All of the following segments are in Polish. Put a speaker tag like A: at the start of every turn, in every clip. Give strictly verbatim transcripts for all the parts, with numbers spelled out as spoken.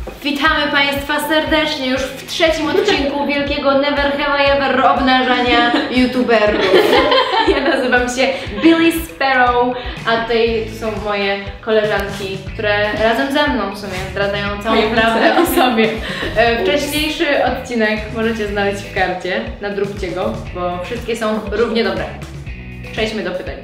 A: Witamy Państwa serdecznie już w trzecim odcinku wielkiego Never Have I Ever obnażania youtuberów. Ja nazywam się Billy Sparrow, a tutaj to są moje koleżanki, które razem ze mną w sumie zdradzają całą prawdę o sobie. Wcześniejszy odcinek możecie znaleźć w karcie, nadróbcie go, bo wszystkie są równie dobre. Przejdźmy do pytań.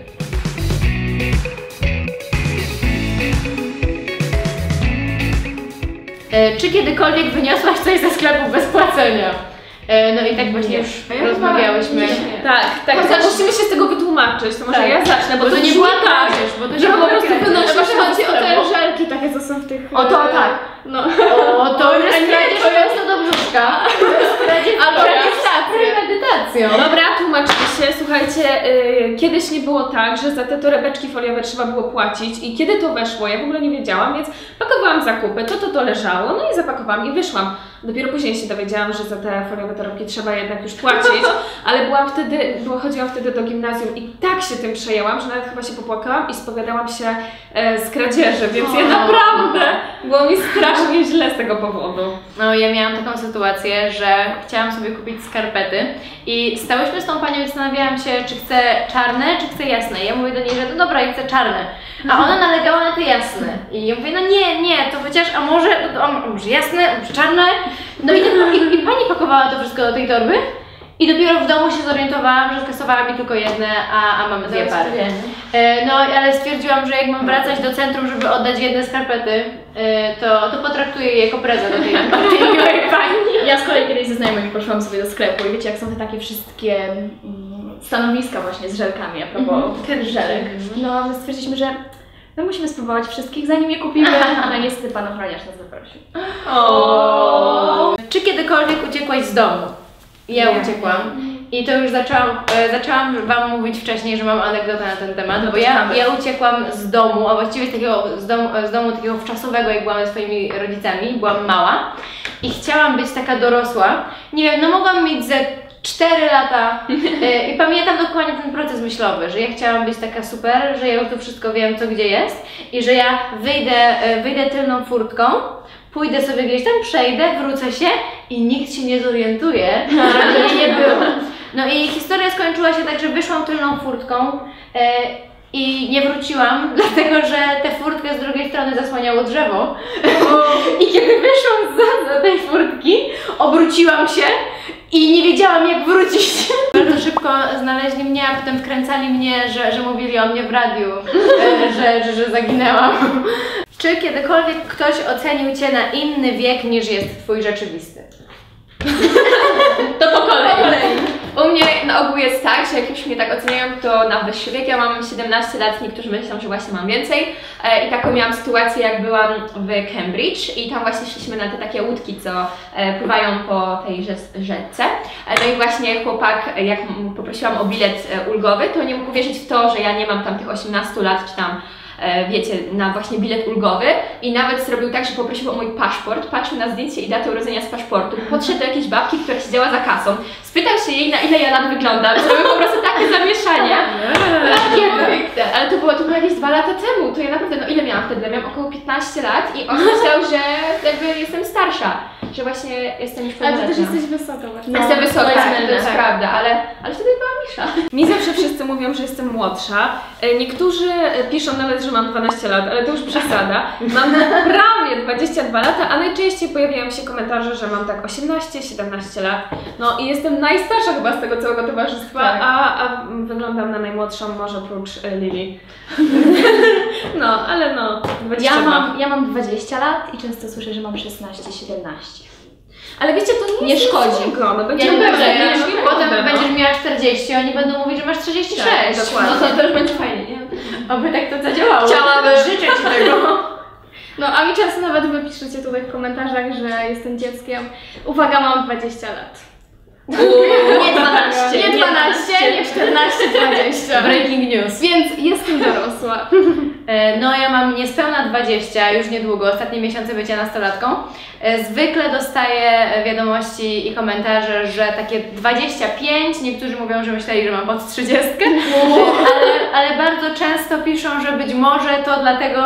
A: Czy kiedykolwiek wyniosłaś coś ze sklepu bez płacenia? No i tak właśnie już rozmawiałyśmy.
B: Nie. Tak, tak.
A: Chociaż
B: musimy się z tego wytłumaczyć, to może
A: tak.
B: ja zacznę, bo,
A: bo to,
B: to
A: nie była tak, bo to
B: że
A: nie
B: po prostu
A: wynosisz.
B: Właśnie chodzi o te żelki takie, co są w tych...
A: O to tak.
B: No.
A: O to już jest kradzież prosto do brzuszka. Albo premedytacją.
B: Dobra, tłumaczmy się. Słuchajcie, yy, kiedyś nie było tak, że za te torebeczki foliowe trzeba było płacić i kiedy to weszło, ja w ogóle nie wiedziałam, więc pakowałam zakupy, to to to leżało, no i zapakowałam i wyszłam. Dopiero później się dowiedziałam, że za te foliowe torebki trzeba jednak już płacić, ale byłam wtedy, była, chodziłam wtedy do gimnazjum i tak się tym przejęłam, że nawet chyba się popłakałam i spowiadałam się e, z kradzieży, więc ja naprawdę było mi strasznie źle z tego powodu.
A: No ja miałam taką sytuację, że chciałam sobie kupić skarpety i stałyśmy z tą panią i zastanawiałam się, czy chcę czarne, czy chcę jasne. I ja mówię do niej, że no dobra, ja chcę czarne. A ona nalegała na te jasne. I ja mówię, no nie, nie, to chociaż, a może, a może jasne, a może czarne. No i, i, i pani pakowała to wszystko do tej torby i dopiero w domu się zorientowałam, że skasowała mi tylko jedne, a, a mamy dwie pary. E, no ale stwierdziłam, że jak mam wracać do centrum, żeby oddać jedne skarpety, e, to, to potraktuję je jako prezent do tej, tej miłej pani.
C: Ja z kolei kiedyś ze znajomymi poszłam sobie do sklepu i wiecie, jak są te takie wszystkie mm, stanowiska właśnie z żelkami, a propos mm-hmm. żelek. No my stwierdziliśmy, że no musimy spróbować wszystkich, zanim je kupimy, ale niestety pan ochroniarz nas zaprosił.
A: O. Czy kiedykolwiek uciekłaś z domu? Ja
B: Nie.
A: uciekłam. I to już zaczęłam, e, zaczęłam Wam mówić wcześniej, że mam anegdotę na ten temat,
B: No
A: bo ja, ja uciekłam z domu, a właściwie z takiego z domu, z domu takiego wczasowego, jak byłam ze swoimi rodzicami, byłam mała i chciałam być taka dorosła. Nie wiem, no mogłam mieć ze cztery lata e, i pamiętam dokładnie ten proces myślowy, że ja chciałam być taka super, że ja już tu wszystko wiem, co gdzie jest i że ja wyjdę, e, wyjdę tylną furtką, pójdę sobie gdzieś tam, przejdę, wrócę się i nikt się nie zorientuje, że mnie nie było. No i historia skończyła się tak, że wyszłam tylną furtką e, i nie wróciłam, dlatego że tę furtkę z drugiej strony zasłaniało drzewo. I kiedy wyszłam za, za tej furtki, obróciłam się i nie wiedziałam, jak wrócić. Bardzo szybko znaleźli mnie, a potem wkręcali mnie, że, że mówili o mnie w radiu, e, że, że, że zaginęłam. Czy kiedykolwiek ktoś ocenił Cię na inny wiek niż jest Twój rzeczywisty?
B: To po kolei.
C: Po kolei.
B: U mnie na ogół jest tak, że jak już mnie tak oceniają, to na wyższy wiek. Ja mam siedemnaście lat, niektórzy myślą, że właśnie mam więcej. E, I taką miałam sytuację, jak byłam w Cambridge i tam właśnie szliśmy na te takie łódki, co e, pływają po tej rzece. E, no i właśnie chłopak, jak poprosiłam o bilet e, ulgowy, to nie mógł uwierzyć w to, że ja nie mam tam tych osiemnastu lat, czy tam wiecie, na właśnie bilet ulgowy i nawet zrobił tak, że poprosił o mój paszport, patrzył na zdjęcie i datę urodzenia z paszportu, podszedł do jakiejś babki, która siedziała za kasą, spytał się jej, na ile ja lat wyglądam, zrobił po prostu takie zamieszanie. Takie, ale to było, to było jakieś dwa lata temu, to ja naprawdę, no ile miałam wtedy? Miałam około piętnaście lat i on myślał, że jakby jestem starsza, że właśnie jestem już
C: Ale
B: pełnoletnia.
C: ty też jesteś wysoka właśnie.
B: No, jestem wysoka,
C: to jest,
B: to jest
C: tak.
B: prawda, ale, ale wtedy byłam mniejsza. Mi zawsze wszyscy mówią, że jestem młodsza. Niektórzy piszą nawet, że mam dwanaście lat, ale to już przesada. Mam prawie dwadzieścia dwa lata, a najczęściej pojawiają się komentarze, że mam tak osiemnaście siedemnaście lat. No i jestem najstarsza chyba z tego całego towarzystwa,
C: Tak.
B: a, a wyglądam na najmłodszą, może oprócz e, Lili. No, ale no, dwadzieścia dwa.
C: Ja mam, ja mam dwadzieścia lat i często słyszę, że mam szesnaście siedemnaście.
B: Ale wiecie, to nie,
C: Nie szkodzi.
B: Złego, no będzie
A: Ja
B: dobrze,
A: dobrze,
B: nie,
A: no,
B: nie
A: potem
B: będę,
A: będziesz
B: no.
A: miała czterdzieści, a oni będą mówić, że masz trzydzieści sześć.
B: Tak, dokładnie.
C: No to też będzie fajnie, nie?
A: Oby tak to zadziałało.
B: Chciałabym.
A: Życzę Ci tego.
C: No a mi często nawet wy piszecie tutaj w komentarzach, że jestem dzieckiem. Uwaga, mam dwadzieścia lat.
B: Nie dwanaście,
C: Nie dwanaście, nie czternaście, dwadzieścia.
A: Breaking news.
C: Więc jestem dorosła.
A: E, No ja mam niespełna dwadzieścia, już niedługo, ostatnie miesiące bycia nastolatką. E, Zwykle dostaję wiadomości i komentarze, że takie dwadzieścia pięć, niektórzy mówią, że myśleli, że mam pod trzydziestkę, ale, ale bardzo często piszą, że być może to dlatego,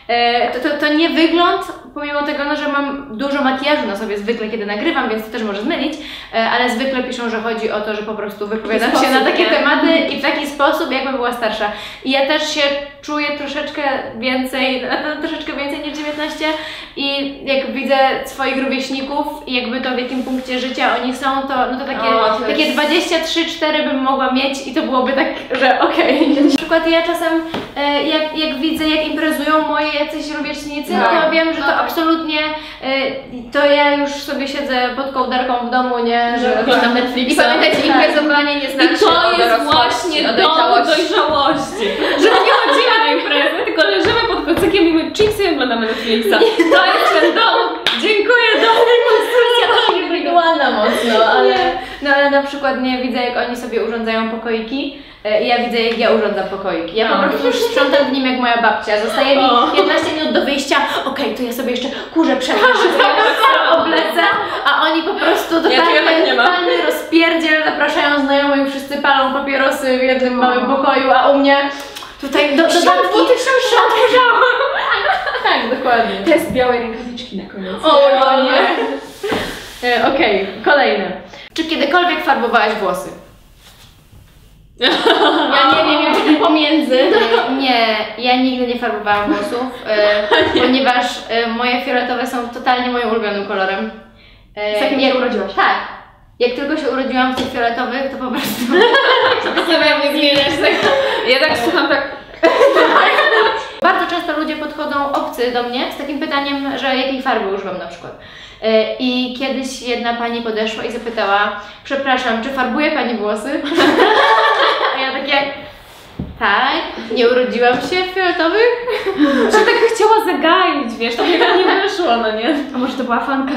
A: to, to, to nie wygląd, pomimo tego, no, że mam dużo makijażu na sobie zwykle, kiedy nagrywam, więc to też może zmylić, ale zwykle piszą, że chodzi o to, że po prostu wypowiadam się na takie tematy i w taki sposób, jakbym była starsza. I ja też się czuję troszeczkę więcej, troszeczkę więcej niż dziewiętnaście i jak widzę swoich rówieśników i jakby to w jakim punkcie życia oni są, to, no to takie,
B: o, to
A: takie
B: jest...
A: dwadzieścia trzy cztery bym mogła mieć i to byłoby tak, że okej. Okay. Na przykład ja czasem jak, jak widzę, jak imprezują moi jacyś rówieśnicy, no. to wiem, że to absolutnie to ja już sobie siedzę pod kołdarką w domu, nie? Że
B: oglądam Netflixa. I pamiętajcie, imprezowanie nie znaczy
C: I to jest właśnie
B: o
C: dowód
B: dojrzałości.
C: dojrzałości. Że nie chodzimy na imprezę, tylko leżymy pod kocykiem i my chipsy i oglądamy Netflixa. To jest ten dowód. Dziękuję, dowód. Konstrukcja indywidualna mocno, ale...
A: No ale na przykład nie widzę, jak oni sobie urządzają pokoiki. I ja widzę, jak ja urządzam pokoiki. Ja po
C: o.
A: prostu już sprzątam w nim jak moja babcia. Zostaje mi piętnaście minut do wyjścia. Okej, okay, to ja sobie jeszcze kurze przetrzę, oblecę, a oni po prostu totalnie,
B: ja
A: totalny rozpierdziel, zapraszają znajomych, wszyscy palą papierosy w jednym małym pokoju, a u mnie tutaj do dodatki szatki. Tak, dokładnie.
B: Test białej rękawiczki na koniec.
A: O, o nie. Okej, okay, kolejne. Czy kiedykolwiek farbowałaś włosy?
C: Ja nie wiem, jak tym pomiędzy.
A: Nie, ja nigdy nie farbowałam włosów, e, ponieważ e, moje fioletowe są totalnie moim ulubionym kolorem.
C: E, Z jakim się urodziłaś?
A: Tak. Jak tylko się urodziłam w tych fioletowych, to po prostu...
C: Zastanawiam nie zmieniasz tego.
B: Ja tak słucham tak...
A: Bardzo często ludzie podchodzą obcy do mnie z takim pytaniem, że jakiej farby używam na przykład. I kiedyś jedna pani podeszła i zapytała: przepraszam, czy farbuje pani włosy? A ja takie: tak, nie urodziłam się w fioletowych.
C: Że tak chciała zagaić, wiesz, to mnie tak nie wyszło, no nie? A może to była fanka?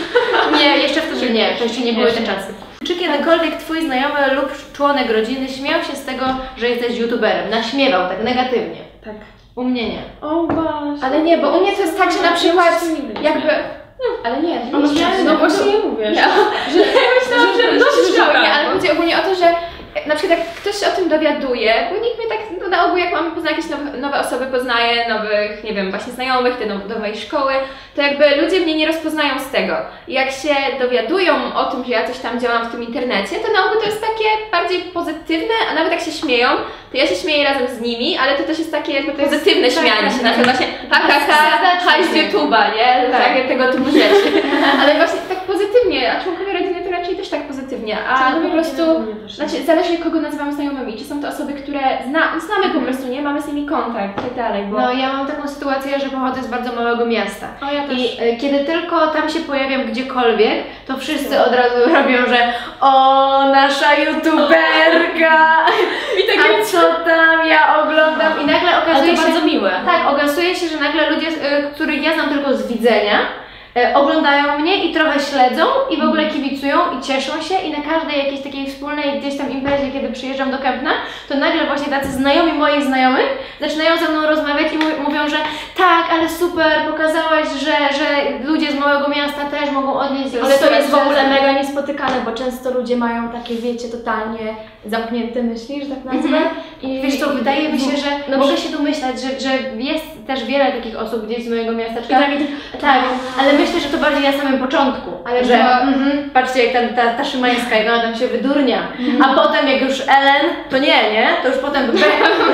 A: Nie, jeszcze wtedy nie, to jeszcze nie były te czasy. Czy kiedykolwiek twój znajomy lub członek rodziny śmiał się z tego, że jesteś youtuberem? Naśmiewał tak negatywnie?
C: Tak.
A: U mnie nie.
C: O właśnie.
B: Ale nie, bo u mnie to jest tak, że na przykład jakby... Ale nie,
C: no,
B: nie
C: no, no właśnie nie mówię.
B: Ja, że, ja myślałam, że, że, że, że,
C: że
B: nie, ale chodzi ogólnie o to, że na przykład jak ktoś się o tym dowiaduje, bo nikt mnie tak, no na ogół jak mamy poznać jakieś nowe, nowe osoby, poznaje nowych, nie wiem, właśnie znajomych, te now, nowej szkoły, to jakby ludzie mnie nie rozpoznają z tego. I jak się dowiadują o tym, że ja coś tam działam w tym internecie, to na ogół to jest takie bardziej pozytywne, a nawet jak się śmieją, to ja się śmieję razem z nimi, ale to też jest takie jakby pozytywne śmianie się, na przykład właśnie ha ha ha, ha z YouTube'a, nie? Tak, tego typu rzeczy. Ale właśnie tak pozytywnie, a członkowie rodziny to raczej też tak pozytywnie, a po prostu, znaczy zależy kogo nazywamy znajomymi, czy są to osoby, które zna, znamy po prostu, nie? Mamy z nimi kontakt i tak dalej, bo...
A: No ja mam taką sytuację, że pochodzę z bardzo małego miasta.
C: O, ja też.
A: I y, kiedy tylko tam się pojawiam gdziekolwiek, to wszyscy od razu robią, że o, nasza youtuberka! I takie, a co tam ja oglądam? I nagle okazuje
C: Ale to
A: się...
C: bardzo miłe.
A: Tak, okazuje się, że nagle ludzie, y, których ja znam tylko z widzenia, oglądają mnie i trochę śledzą i w ogóle kibicują i cieszą się i na każdej jakiejś takiej wspólnej gdzieś tam imprezie, kiedy przyjeżdżam do Kępna, to nagle właśnie tacy znajomi moich znajomych zaczynają ze mną rozmawiać i mówią, że tak, ale super, pokazałaś, że, że ludzie z małego miasta też mogą odnieść.
C: Ale to jest w ogóle mega niespotykane, bo często ludzie mają takie, wiecie, totalnie zamknięte myśli, że tak nazwę.
A: Mhm.
C: I
A: wiesz co, wydaje mi się, że
C: no,
A: mogę się domyślać, że, że jest też wiele takich osób gdzieś z mojego miasteczka.
C: I tak,
A: tak, tak, ale myślę, że to bardziej na samym początku,
C: ale
A: że
C: to...
A: mm, patrzcie jak ta, ta, ta Szymańska, jak ona tam się wydurnia, mm. a potem jak już Ellen, to nie, nie? To już potem be, be,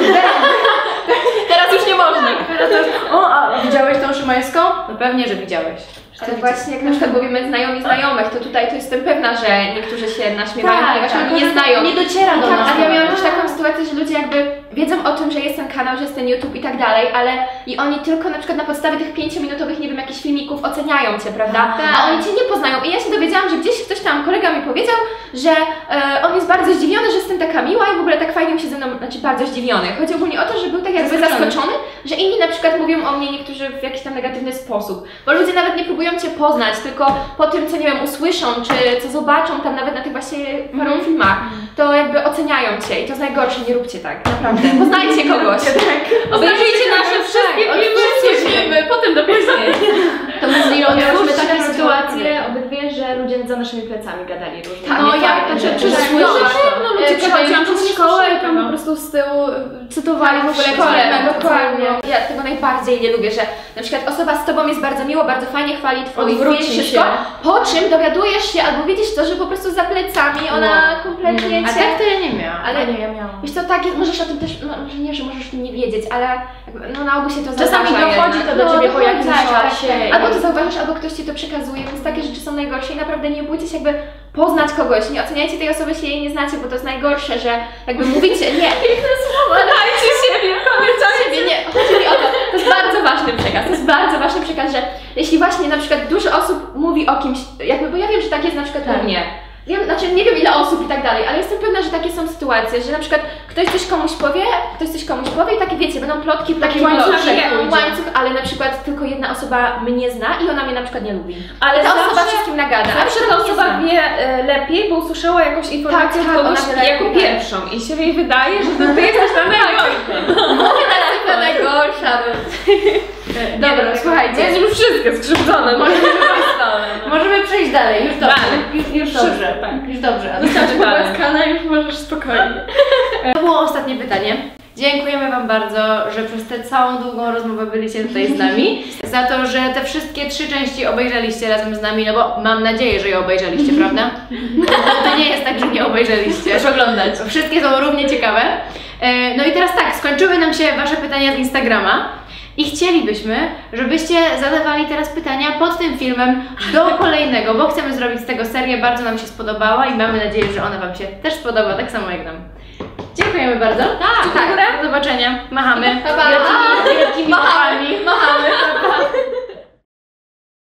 C: teraz już nie można.
A: Teraz już, o, a widziałeś tą Szymańską? No pewnie, że widziałeś.
B: Ale właśnie jak na przykład mówimy znajomi znajomych, to tutaj to jestem pewna, że niektórzy się naśmiewają,
A: tak,
B: ponieważ
A: tak,
B: oni nie znają.
A: Nie dociera do
B: tak,
A: nas.
B: A ja miałam też taką sytuację, że ludzie jakby wiedzą o tym, że jest ten kanał, że jest ten YouTube i tak dalej, ale i oni tylko na przykład na podstawie tych pięciominutowych, nie wiem, jakichś filmików oceniają Cię, prawda?
A: Tak.
B: A oni Cię nie poznają. I ja się dowiedziałam, że gdzieś ktoś tam, kolega mi powiedział, że e, on jest bardzo zdziwiony, że jestem taka miła i w ogóle tak fajnie mi się ze mną, znaczy bardzo zdziwiony. Chodzi ogólnie o to, że był tak jakby
A: Zaskoczony.
B: zaskoczony, że inni na przykład mówią o mnie niektórzy w jakiś tam negatywny sposób. Bo ludzie nawet nie próbują Cię poznać, tylko po tym, co nie wiem, usłyszą, czy co zobaczą tam nawet na tych właśnie paru mm. filmach, to jakby oceniają Cię i to jest najgorsze, nie róbcie tak, naprawdę. Poznajcie kogoś.
C: Tak. Obejrzyjcie nasze wszystkie
B: tak,
C: filmy, filmy, potem dopiero.
A: To my z Lilą miałyśmy
C: Miałyśmy
A: taką
C: taką
A: sytuację.
C: sytuację obydwie, że że ludzie za naszymi plecami gadali różne.
B: Tak,
C: no
B: nie
C: ja
B: fajne
C: to
B: rzeczy.
C: czy
B: Tak,
C: słyszę,
B: no,
C: no,
B: ludzie
C: przechodziłam
B: gadają,
C: przez
B: że
C: szkołę
B: nie
C: i tam
B: słyszę,
C: po prostu z tyłu cytowali w ogóle
B: szkole,
C: fragmenty
B: dokładnie.
C: całego.
B: Ja tego najbardziej nie lubię, że na przykład osoba z tobą jest bardzo miło, bardzo fajnie chwali twój
C: Odwróci
B: film, wszystko,
C: się.
B: po czym dowiadujesz się albo widzisz to, że po prostu za plecami ona
C: No.
B: kompletnie
A: A
B: cię...
A: tak to ja nie miałam.
B: Ale
C: Ale nie, ja miałam.
B: wiesz co, tak jest, możesz o tym też, no może nie, że możesz o tym nie wiedzieć, ale jakby, no na ogół się to
C: Czasami
B: zdarza
C: dochodzi
B: jednak.
C: to do ciebie po
B: dochodzi,
C: jakimś
B: tak,
C: czasie
B: tak.
C: i-
B: Albo to zauważysz, albo ktoś ci to przekazuje, więc takie rzeczy są najgorsze i naprawdę nie bójcie się jakby poznać kogoś, nie oceniajcie tej osoby, jeśli jej nie znacie, bo to jest najgorsze, że jakby mówicie, nie, piękne słowa, dajcie siebie, pamiętajcie siebie, nie, chodzi mi o to, to jest bardzo ważny przekaz, to jest bardzo ważny przekaz, że jeśli właśnie na przykład dużo osób mówi o kimś, jakby, bo ja wiem, że tak jest na przykład
C: Tak.
B: u mnie. Wiem, znaczy nie wiem ile osób i tak dalej, ale jestem pewna, że takie są sytuacje, że na przykład ktoś coś komuś powie, ktoś coś komuś powie i takie wiecie, będą plotki, plotki,
C: Taki łańcuszek
B: plotki,
C: pójdzie.
B: łańcuch, ale na przykład tylko jedna osoba mnie zna i ona mnie na przykład nie lubi.
D: Ale
B: I ta
D: zawsze-
B: osoba wszystkim nagada. a
D: Zawsze
B: przykład
D: ta
B: mnie
D: osoba
B: zna.
D: wie e, lepiej, bo usłyszała jakąś informację
B: Tak,
D: od
B: tak,
D: kogoś
B: ona wie
D: jako
B: lepiej, tak.
D: pierwszą i się jej wydaje, że to ty jesteś ta najgorsza.
B: Taka najgorsza.
A: Dobra, słuchajcie.
D: Jest już wszystko skrzywdzone, może
A: Możemy przejść dalej, już dobrze.
D: Dalej.
A: Już, już
D: Wszystko,
A: dobrze.
D: tak.
A: Już dobrze.
C: Wystarczy pogłaskana, już możesz spokojnie.
A: To było ostatnie pytanie. Dziękujemy Wam bardzo, że przez tę całą długą rozmowę byliście tutaj z nami. Za to, że te wszystkie trzy części obejrzeliście razem z nami, no bo mam nadzieję, że je obejrzeliście, prawda? To nie jest tak, że nie obejrzeliście.
C: Proszę oglądać.
A: Wszystkie są równie ciekawe. E, No i teraz tak, skończyły nam się Wasze pytania z Instagrama. I chcielibyśmy, żebyście zadawali teraz pytania pod tym filmem do kolejnego, bo chcemy zrobić z tego serię, bardzo nam się spodobała i mamy nadzieję, że ona Wam się też spodoba, tak samo jak nam. Dziękujemy bardzo. Tak, tak. Do zobaczenia. Machamy.
B: Pa, pa.
A: Wielkimi, wielkimi machami.
B: Machamy.